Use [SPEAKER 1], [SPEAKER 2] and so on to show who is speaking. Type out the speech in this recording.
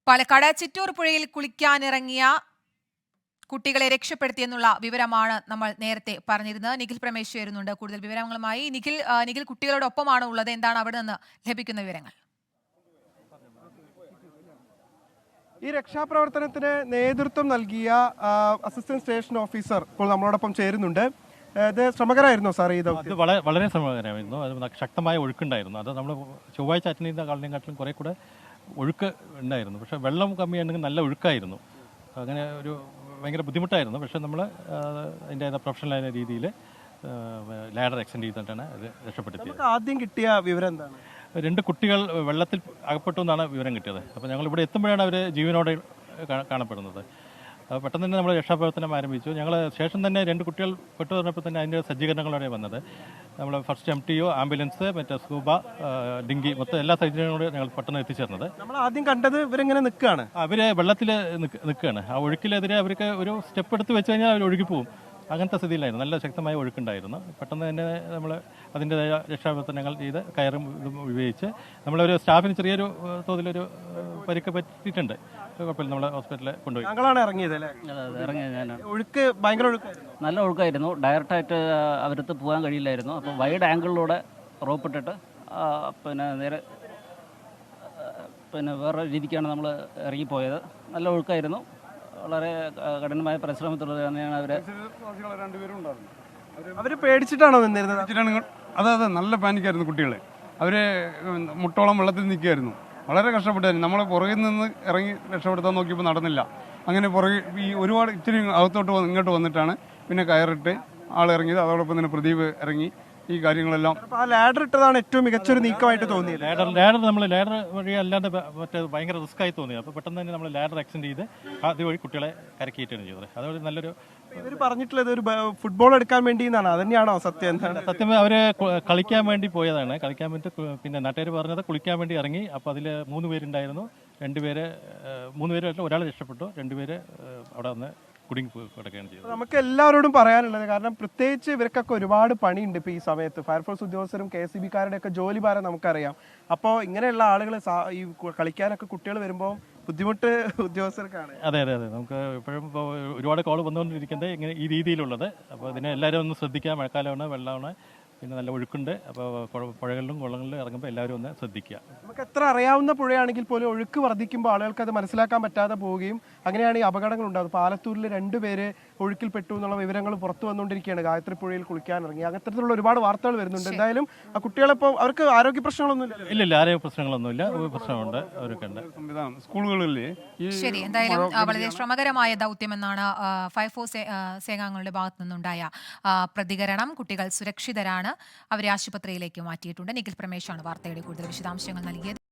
[SPEAKER 1] പാലക്കാട് ചിറ്റൂർ പുഴയിൽ കുളിക്കാനിറങ്ങിയ കുട്ടികളെ രക്ഷപ്പെടുത്തിയെന്നുള്ള വിവരമാണ് നമ്മൾ നേരത്തെ പറഞ്ഞിരുന്നത്. നിഖിൽ പ്രമേശ് ചേരുന്നുണ്ട് കൂടുതൽ വിവരങ്ങളുമായി. നിഖിൽ കുട്ടികളോടൊപ്പമാണ് ഉള്ളത്. എന്താണ് അവിടെ നിന്ന് ലഭിക്കുന്ന വിവരങ്ങൾ?
[SPEAKER 2] ഈ രക്ഷാപ്രവർത്തനത്തിന് നേതൃത്വം നൽകിയ അസിസ്റ്റന്റ് സ്റ്റേഷൻ ഓഫീസർ ഇപ്പോൾ നമ്മളോടൊപ്പം ചേരുന്നുണ്ട്. ഇത് ശ്രമകരമായിരുന്നോ സാർ? ഇത്
[SPEAKER 3] വളരെ ശ്രമകരമായിരുന്നു. അത് ശക്തമായ ഒഴുക്കുണ്ടായിരുന്നു. അത് നമ്മൾ ചൊവ്വാഴ്ച അറ്റൻഡ് ചെയ്ത കാളിനെക്കാട്ടിലും കുറേ കൂടെ ഒഴുക്ക് ഉണ്ടായിരുന്നു. പക്ഷേ വെള്ളം കമ്മിയാണെങ്കിൽ നല്ല ഒഴുക്കായിരുന്നു. അങ്ങനെ ഒരു ഭയങ്കര ബുദ്ധിമുട്ടായിരുന്നു. പക്ഷേ നമ്മൾ അതിൻ്റെ പ്രൊഫഷണലായ രീതിയിൽ ലാഡർ എക്സ്റ്റെൻഡ് ചെയ്തിട്ടാണ് അത് രക്ഷപ്പെടുത്തിയത്.
[SPEAKER 2] ആദ്യം കിട്ടിയ വിവരം എന്താണ്?
[SPEAKER 3] 2 കുട്ടികൾ വെള്ളത്തിൽ അകപ്പെട്ടു എന്നാണ് വിവരം കിട്ടിയത്. അപ്പോൾ ഞങ്ങൾ ഇവിടെ എത്തുമ്പോഴാണ് അവർ ജീവനോടെ കാണപ്പെടുന്നത്. പെട്ടെന്ന് തന്നെ നമ്മൾ രക്ഷാപ്രവർത്തനം ആരംഭിച്ചു. ഞങ്ങൾ ശേഷം തന്നെ 2 കുട്ടികൾ പെട്ടു പറഞ്ഞപ്പോൾ തന്നെ അതിൻ്റെ സജ്ജീകരണങ്ങളോടെ വന്നത്. നമ്മൾ ഫസ്റ്റ് MTO, ആംബുലൻസ്, മറ്റേ സ്കൂബ, ഡിങ്കി, മൊത്തം എല്ലാ സജ്ജീകരണങ്ങളോടും ഞങ്ങൾ പെട്ടെന്ന് എത്തിച്ചേർന്നത്.
[SPEAKER 2] നമ്മൾ ആദ്യം കണ്ടത് ഇവരെങ്ങനെ നിൽക്കുകയാണ്,
[SPEAKER 3] അവർ വെള്ളത്തിൽ നിൽക്കുകയാണ്. ആ ഒഴുക്കിലെതിരെ അവർക്ക് ഒരു സ്റ്റെപ്പ് എടുത്ത് വെച്ച് കഴിഞ്ഞാൽ അവർ ഒഴുകിപ്പോവും. അങ്ങനത്തെ സ്ഥിതിയിലായിരുന്നു. നല്ല ശക്തമായ ഒഴുക്കുണ്ടായിരുന്നു. പെട്ടെന്ന് തന്നെ നമ്മൾ അതിൻ്റെതായ രക്ഷാപ്രവർത്തനങ്ങൾ ചെയ്ത് കയറും ഇതും ഉപയോഗിച്ച് നമ്മളൊരു സ്റ്റാഫിന് ചെറിയൊരു തോതിലൊരു പരിക്ക് പറ്റിയിട്ടുണ്ട്. കുഴപ്പമില്ല, നമ്മളെ ഹോസ്പിറ്റലിൽ കൊണ്ടുപോയി.
[SPEAKER 2] ഞങ്ങളാണ് ഇറങ്ങിയത് അല്ലേ?
[SPEAKER 4] ഇറങ്ങിയത് ഞാനാണ്.
[SPEAKER 2] ഒഴുക്ക് ഭയങ്കര ഒഴുക്കായിരുന്നു.
[SPEAKER 4] നല്ല ഒഴുക്കായിരുന്നു. ഡയറക്റ്റായിട്ട് അവരടുത്ത് പോകാൻ കഴിയില്ലായിരുന്നു. അപ്പോൾ വൈഡ് ആംഗിളിലൂടെ റോപ്പ് ഇട്ടിട്ട് നേരെ വേറെ രീതിക്കാണ് നമ്മൾ ഇറങ്ങിപ്പോയത്. നല്ല ഒഴുക്കായിരുന്നു. വളരെ കഠിനമായ പരിശ്രമത്തിലൂടെ തന്നെയാണ്
[SPEAKER 2] അവർ പേടിച്ചിട്ടാണോ നിന്നിരുന്നത്?
[SPEAKER 5] അതെ, നല്ല പാനിക്കായിരുന്നു കുട്ടികൾ. അവർ മുട്ടോളം വെള്ളത്തിൽ നിൽക്കുകയായിരുന്നു. വളരെ കഷ്ടപ്പെട്ടായിരുന്നു. നമ്മൾ പുറകിൽ നിന്ന് ഇറങ്ങി രക്ഷപ്പെടുത്താൻ നോക്കിയപ്പോൾ നടന്നില്ല. അങ്ങനെ പുറകെ ഈ ഒരുപാട് ഇച്ചിരി അകത്തോട്ട് ഇങ്ങോട്ട് വന്നിട്ടാണ് പിന്നെ കയറിട്ട് ആൾ ഇറങ്ങിയത്. അതോടൊപ്പം തന്നെ പ്രദീപ് ഇറങ്ങി ഈ കാര്യങ്ങളെല്ലാം.
[SPEAKER 2] ആ ലാഡർ ഇട്ടതാണ് ഏറ്റവും മികച്ചൊരു നീക്കമായിട്ട് തോന്നിയത്.
[SPEAKER 3] ലാഡർ വഴി അല്ലാണ്ട് മറ്റേ ഭയങ്കര റിസ്ക് ആയി തോന്നി. അപ്പോൾ പെട്ടെന്ന് തന്നെ നമ്മൾ ലാഡർ എക്സ്റ്റെൻഡ് ചെയ്ത് അതുവഴി കുട്ടികളെ കരക്കിയിട്ടാണ് ചെയ്തത്. അതുവഴി നല്ലൊരു
[SPEAKER 2] ഇവർ പറഞ്ഞിട്ടുള്ളത് ഒരു ഫുട്ബോൾ എടുക്കാൻ വേണ്ടി എന്നാണ്. അതന്നെയാണോ സത്യം? എന്താണ്
[SPEAKER 3] സത്യം? അവർ കളിക്കാൻ വേണ്ടി പോയതാണ്. കളിക്കാൻ വേണ്ടി പിന്നെ നാട്ടുകാർ പറഞ്ഞത് കുളിക്കാൻ വേണ്ടി ഇറങ്ങി. അപ്പോൾ അതിൽ 3 പേരുണ്ടായിരുന്നു. 3 പേര് ഒരാൾ രക്ഷപ്പെട്ടു. 2 പേര് അവിടെ വന്ന് കുടുങ്ങി കിടക്കുകയാണ് ചെയ്തത്.
[SPEAKER 2] നമുക്ക് എല്ലാവരോടും പറയാനുള്ളത്, കാരണം പ്രത്യേകിച്ച് ഇവർക്കൊക്കെ ഒരുപാട് പണിയുണ്ട് ഇപ്പോൾ ഈ സമയത്ത്. ഫയർഫോഴ്സ് ഉദ്യോഗസ്ഥരും KSEBക്കാരുടെ ഒക്കെ ജോലി ഭാരം നമുക്കറിയാം. അപ്പോൾ ഇങ്ങനെയുള്ള ആളുകൾ ഈ കളിക്കാനൊക്കെ കുട്ടികൾ വരുമ്പോൾ ബുദ്ധിമുട്ട് ഉദ്യോഗസ്ഥർക്കാണ്.
[SPEAKER 3] അതെ, നമുക്ക് ഇപ്പോഴും ഇപ്പോൾ ഒരുപാട് കോൾ വന്നുകൊണ്ടിരിക്കുന്നത് ഇങ്ങനെ ഈ രീതിയിലുള്ളത്. അപ്പോൾ ഇതിനെ എല്ലാവരും ഒന്ന് ശ്രദ്ധിക്കുക. മഴക്കാലമാണ്, വെള്ളമാണ്, പിന്നെ നല്ല ഒഴുക്കുണ്ട്. അപ്പോൾ പുഴകളിലും കുളങ്ങളിലും ഇറങ്ങുമ്പോൾ എല്ലാവരും ഒന്ന് ശ്രദ്ധിക്കുക.
[SPEAKER 2] നമുക്ക് എത്ര അറിയാവുന്ന പുഴയാണെങ്കിൽ പോലും ഒഴുക്ക് വർദ്ധിക്കുമ്പോൾ ആളുകൾക്ക് അത് മനസ്സിലാക്കാൻ പറ്റാതെ പോവുകയും അങ്ങനെയാണ് ഈ അപകടങ്ങൾ ഉണ്ടാകുന്നത്. പാലത്തൂരിൽ 2 പേര് ഒഴുക്കിൽപ്പെട്ടു എന്നുള്ള വിവരങ്ങൾ പുറത്തു വന്നുകൊണ്ടിരിക്കുകയാണ്. ഗായത്രി പുഴയിൽ കുളിക്കാനിറങ്ങി. അത്തരത്തിലുള്ള ഒരുപാട് വാർത്തകൾ വരുന്നുണ്ട്. എന്തായാലും ആ കുട്ടികളിപ്പോൾ അവർക്ക് ആരോഗ്യ പ്രശ്നങ്ങളൊന്നുമില്ല.
[SPEAKER 3] ഇല്ല, ആരോഗ്യ പ്രശ്നങ്ങളൊന്നുമില്ല. പ്രശ്നമുണ്ട്, അവരൊക്കെ ഉണ്ട്.
[SPEAKER 5] സ്കൂളുകളിൽ
[SPEAKER 1] ശരി, എന്തായാലും വളരെ ശ്രമകരമായ ദൗത്യമെന്നാണ് ഫയർഫോഴ്സ് സേനാംഗങ്ങളുടെ ഭാഗത്തു നിന്നുണ്ടായ പ്രതികരണം. കുട്ടികൾ സുരക്ഷിതരാണ്. അവരെ ആശുപത്രിയിലേക്ക് മാറ്റിയിട്ടുണ്ട്. നിഖിൽ പ്രമേശാണ് വാർത്തയുടെ കൂടുതൽ വിശദാംശങ്ങൾ നൽകിയത്.